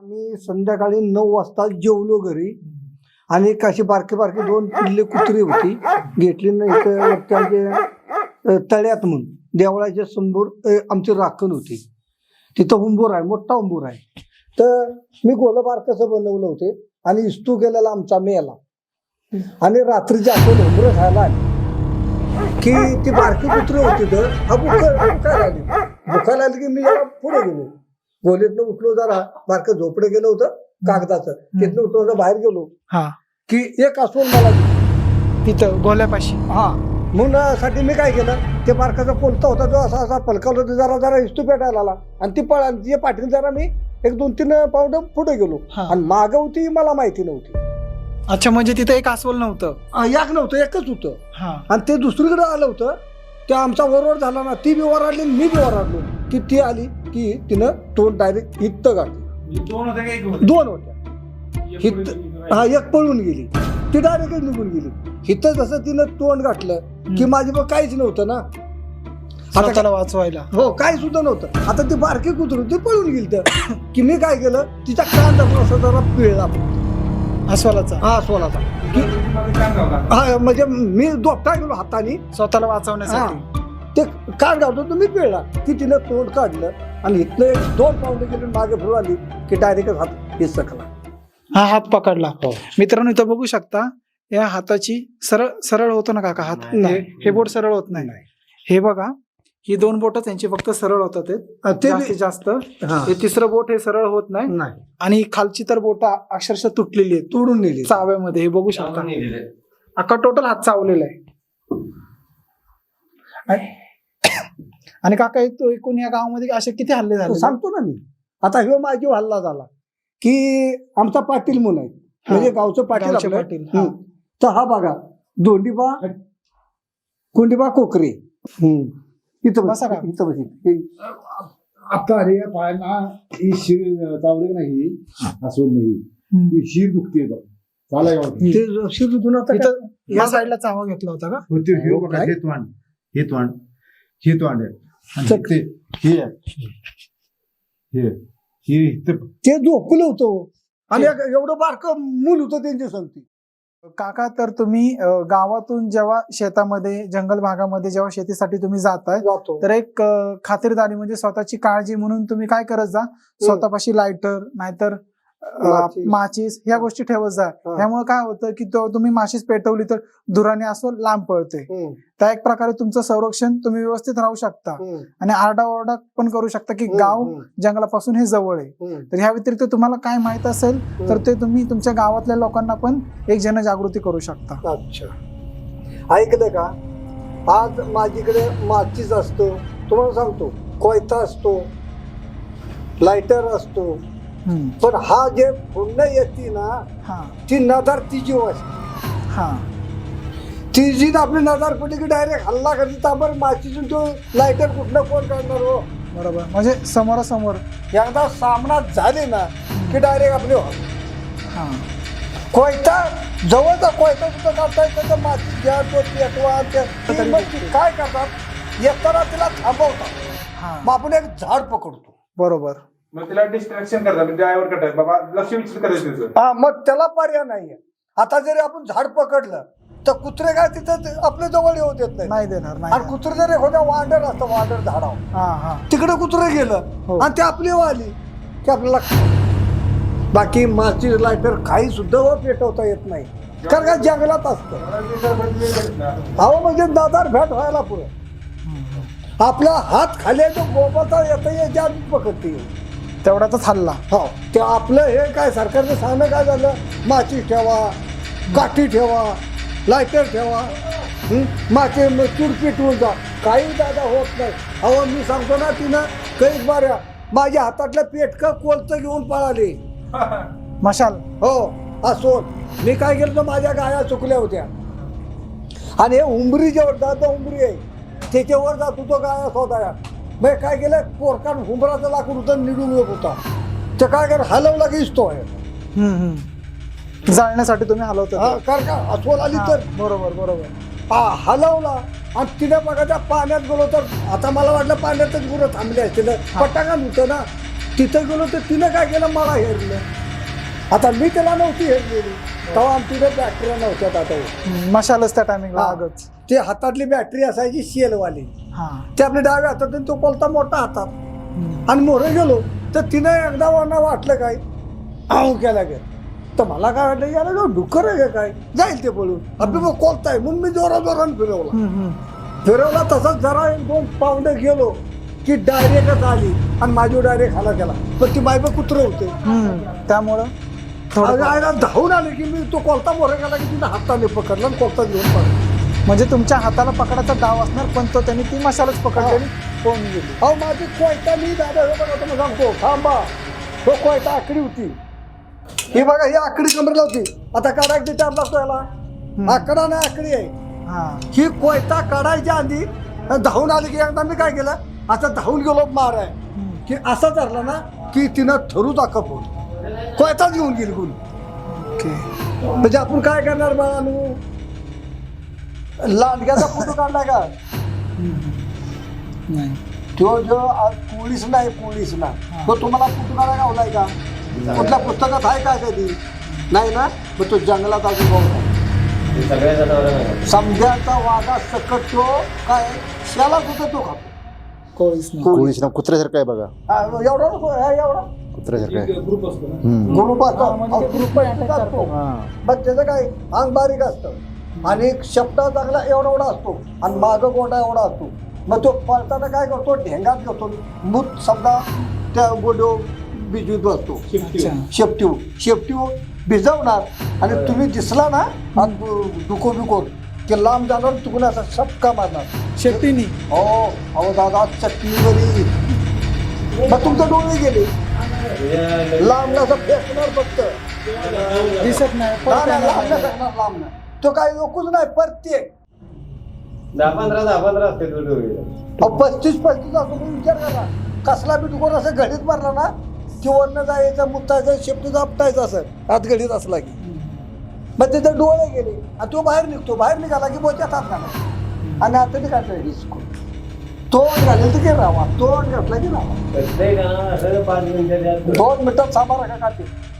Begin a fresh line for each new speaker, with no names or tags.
मी संध्याकाळी 9 वाजता जेवलो घरी आणि अशी बारकी बारकी 2 पिल्ले कुत्री होती घेतली नाही तर त्यांचे तळ्यात म्हणून देवळाच्या समोर आमची राखण होती तिथं उंबूर आहे मोठा उंबूर आहे तर मी गोलबार कसं बनवलं होते आणि इस्तू गेलेला आमचा मेला आणि रात्रीची आपण उंबरं खायला आली की ती बारकी कुत्री होती तर हा बुखायला आली की मी जरा पुढे गेलो गोलीतनं उठलो जरा बारकं झोपडे गेलं होतं कागदाचं तिथनं उठलो बाहेर गेलो की एक अस्वल मला
तिथं गोल्यापाशी
म्हणून साठी मी काय केलं ते बारकाचा कोलता होता जो असा असा पलकावला होता जरा जरा इस्तू पेटायला आला आणि ती पळा तिच्या पाठीने जरा मी 1-2-3 पाऊंड पुढे गेलो आणि मागं होती मला माहिती नव्हती.
अच्छा म्हणजे तिथे एक अस्वल नव्हतं
एक नव्हतं एकच होतं आणि ते दुसरीकडे आलं होतं ते आमचा वरवर झाला ना ती बी वराडली मी बी वराडलो की ती आली की तिनं तोंड डायरेक्ट इथं गाठली. 2 होत्या एक पळून गेली ती डायरेक्ट निघून गेली इथं जसं तिनं तोंड गाठलं की माझी बघ काहीच नव्हतं ना
आता वाचवायला
हो काही सुद्धा नव्हतं. आता ती बारकी कुत्री ती पळून गेली तर की मी काय केलं तिचा कान दाखवून असं जरा पिळला
अस्वलाचा
अस्वलाचा म्हणजे मी दोपटा गेलो हाताने
स्वतःला वाचवण्यासाठी
ते कान गावतो तर मी पिळला की तिनं तोंड काढलं आणि इथलं 2 पाऊंड गेले मागे फिरून आली की डायरेक्ट हात हिसकला
हा हात पकडला. मित्रांनो इथं बघू शकता या हाताची सरळ होतो ना काका हात हे बोट सरळ होत नाही हे बघा ही 2 बोट त्यांची फक्त सरळ होतात जास्तीत जास्त हे तिसरं बोट हे सरळ होत नाही आणि खालची तर बोट अक्षरशः तुटलेली आहे
तोडून नेली
चाव्यामध्ये हे बघू शकता अख्खा टोटल हात चावलेला आहे. आणि काका एकूण या गावामध्ये असे किती हल्ले झाले
सांगतो ना मी आता ह्यो माझी हल्ला झाला की आमचा पाटील म्हणून आहे म्हणजे गावचं पाटील तर हा बघा कोंडीबा कोकरे इथं बसा का इथं बस
आता अरे या पायांना ही शिर चावली नाही अस्वल नाही शिर दुखते
ते शिर दुखून आता
या साईडला चावा घेतला होता का
ते झोपलं होतं आणि एवढं बारकं मूल होतं त्यांची संगती.
काका तर तुम्ही गावातून जेव्हा शेतामध्ये जंगल भागामध्ये जेव्हा शेतीसाठी तुम्ही जाताय तर एक खातिरदारी म्हणजे स्वतःची काळजी म्हणून तुम्ही काय करत जा स्वतःपाशी लायटर नाहीतर माचीस ह्या गोष्टी ठेवत जा. ह्यामुळे काय होतं की तुम्ही माचीस पेटवली तर धुराने असं लांब पळते त्या एक प्रकारे तुमचं संरक्षण तुम्ही व्यवस्थित राहू शकता आणि आरडाओरडा पण करू शकता की गाव जंगलापासून हे जवळ आहे. तर ह्या व्यतिरिक्त तुम्हाला काय माहित असेल तर ते तुम्ही तुमच्या गावातल्या लोकांना पण एक जनजागृती करू शकता.
अच्छा ऐकलं का आज माझीकडे माचीस असतो तुम्हाला सांगतो कोयता असतो लायटर असतो पण हा जे पुण्य येते ना ती नजर ती जीव असते ती जी आपली नजर पडली की डायरेक्ट हल्ला करते ताबर माचीतून तो लायटर कुठलं कोण काढणार हो
बरोबर म्हणजे समोरासमोर
एकदा सामना झाले ना की डायरेक्ट आपले कोयता जवळचा कोयता सुद्धा काढता येतं माती घ्या तो पेटवा काय करतात येताना तिला थांबवतात मग आपण एक झाड पकडतो
बरोबर
मग तिला डिस्ट्रॅक्शन करतात ड्रायव्हर करतात बाबा लक्ष विचलित करायचं
मग त्याला पर्याय नाहीये. आता जरी आपण झाड पकडलं तर कुत्रे काय तिथं आपल्या जवळ येऊ देत
नाही देणार
आणि कुत्रे जर एखाद्या वांडर असतं वांडर झाडावर तिकडे कुत्रे गेलं आणि ते आपली आली की आपल्याला बाकी माची लायटर काही सुद्धा पेटवता येत नाही कारण का जंगलात असतं अहो म्हणजे दादार भेट व्हायला पुढे आपला हात खाली जो गोबाचा येतं याच्या पकडते
तेवढाच हल्ला
हो ते आपलं हे काय सरकारचं सांगणं काय झालं माचीस ठेवा काठी ठेवा लायटर ठेवा माचे चूड पेटवून जा काही दादा होत नाही. अहो मी सांगतो ना तिनं कैक बाऱ्या माझ्या हातातलं पेटकं कोलतं घेऊन पळाले
मशाल
हो असो मी काय केलं तर माझ्या गाया चुकल्या होत्या आणि हे उंबरी जेवढ दादा उंबरी आहे त्याच्यावर जात होतो गाया स्वतः मग काय केलं पोरकान हुंबराचं लाकूड होतं निडून येत होता ते काय कर हलवला की तो आहे
जाळण्यासाठी तुम्ही हलवता
कारण का अस्वल आली तर
बरोबर बरोबर
हलवला आणि तिने बघा त्या पाण्यात गेलो तर आता मला वाटलं पाण्यातच गुरं थांबले असतील पटांगण होतं ना तिथं गेलो तर तिनं काय केलं, मला हेरलं. आता मी त्याला नव्हती हेरलेली, तेव्हा आमच्याकडे बॅटऱ्या नव्हत्या. आता
मशालच त्या टायमिंगला
हा.
आगच.
ते हातातली बॅटरी असायची शेलवाली,
हा.
ते आपल्या डाव्या हातात आणि तो कोलता मोठा हातात. आणि मोरे गेलो तर तिनं एकदा वाना वाटलं काय आऊ केला गे, तर मला काय वाटलं याला जो डुकर आहे का काय, जाईल ते पळून. आपली मग कोलताय म्हणून मी जोराने फिरवला. फिरवला तसंच जरा 1-2 पावलं गेलो की डायरेक्टच आली आणि माझी डायरेक्ट खाला गेला. पण ती बायबा कुत्र होते,
त्यामुळं
आयला धावून आले की मी तो कोलता मोरे गेला की तिने हाताने पकडला आणि कोलता घेऊन पडला.
म्हणजे तुमच्या हाताला पकडायचा डाव असणार, पण तो त्यांनी ती मशालच पकडलेली पळून गेली.
अहो माझी कोयता मी दादा हे बघा तुम्ही सांगतो थांबा, तो कोयता आकडी होती. ही बघा ही आकडी कमरेला होती. आता काढायची टाइम लागतो याला, आकडा नाही आकडी आहे.
हा.
ही कोयता काढायच्या आधी धावून आली की एकदा मी काय केलं, आता धावून गेलो माराय की असं धरला ना की तिनं ठरू दाखव कोयताच घेऊन गेली कोणी.
ओके.
म्हणजे आपण काय करणार बाळानू, लांडग्याचा फोटो काढलाय का,
नाही.
तो जो पोलीस नाही तो तुम्हाला फोटो काढायला गावलाय का, कुठल्या पुस्तकात आहे का कधी, नाही ना. मग तो जंगलात अजून भाऊ समजाचा वाघा सकट तो काय शेला सुद्धा तो खातो.
कोळीच नाही.
कोळीच ना कुत्र्यासारखं आहे बघा,
एवढा नको एवढा
कुत्र्यासारखं आहे.
ग्रुप असतो ना.
ग्रुप असतो,
म्हणजे ते group attack करतो.
मग त्याचं काय अंग बारीक असतं आणि शब्दा चांगला एवढा असतो आणि मागं गोंडा एवढा असतो. मग तो पळताना काय करतो, ढेंगात घेतो, मूत समजा त्या गोडो बिजवीत बसतो. शेपटीव भिजवणार आणि तुम्ही दिसला ना दुखो बिको की लांब जाणार, चुकून असा शपका मारणार
शेट्टीनी.
हो. अहो दादा चटणीवरी मग तुमचे डोळे गेले, लांब असं फेकणार फक्त,
दिसत नाही.
लांब नाही. तो काही लोकच नाही, प्रत्येक
10-15 असते
35 असतो. तुम्ही विचार करा, कसला बी दुकान असं घडीत मारला ना की वरनं जायचं, मुतायचं, शेपटीचं आपटायचं असं आत घडीत असला की मग तिथे डोळे गेले आणि तो बाहेर निघतो. बाहेर निघाला की बोच्यात हात घाला आणि आता ते काढलं हिसको, तोंड घालेल तर की राहा, तोंड घातला की राहा.
5 मिनिटं
2 मिनिटात सामारा का काढते.